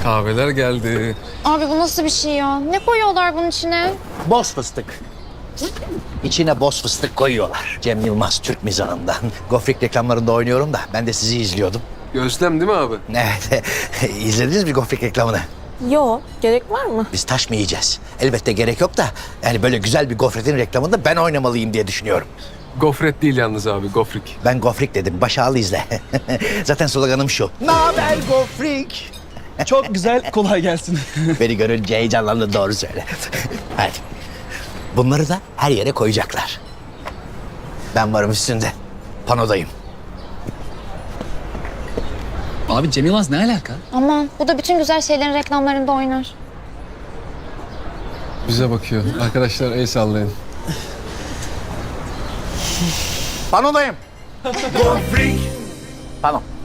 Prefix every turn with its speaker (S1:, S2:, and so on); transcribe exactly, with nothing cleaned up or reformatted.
S1: Kahveler geldi.
S2: Abi bu nasıl bir şey ya? Ne koyuyorlar bunun içine?
S3: Boz fıstık. İçine boz fıstık koyuyorlar. Cem Yılmaz Türk mizahından. Gofrik reklamlarında oynuyorum da ben de sizi izliyordum.
S1: Gözlem değil mi abi?
S3: Evet. İzlediniz mi Gofrik reklamını?
S2: Yo, gerek var mı?
S3: Biz taş mı yiyeceğiz? Elbette gerek yok da yani böyle güzel bir gofretin reklamında ben oynamalıyım diye düşünüyorum.
S1: Gofret değil yalnız abi, gofrik.
S3: Ben gofrik dedim. Baş ağlı izle. Zaten sloganım şu. Naber gofrik?
S4: Çok güzel, kolay gelsin.
S3: Beni görünce heyecanlandı, doğru söyle. Hadi. Bunları da her yere koyacaklar. Ben varım üstünde. Panodayım.
S4: Abi Cem Yılmaz ne alaka?
S2: Aman bu da bütün güzel şeylerin reklamlarında oynar.
S1: Bize bakıyor. Arkadaşlar el sallayın.
S3: Panodayım. Gofrik. Pano.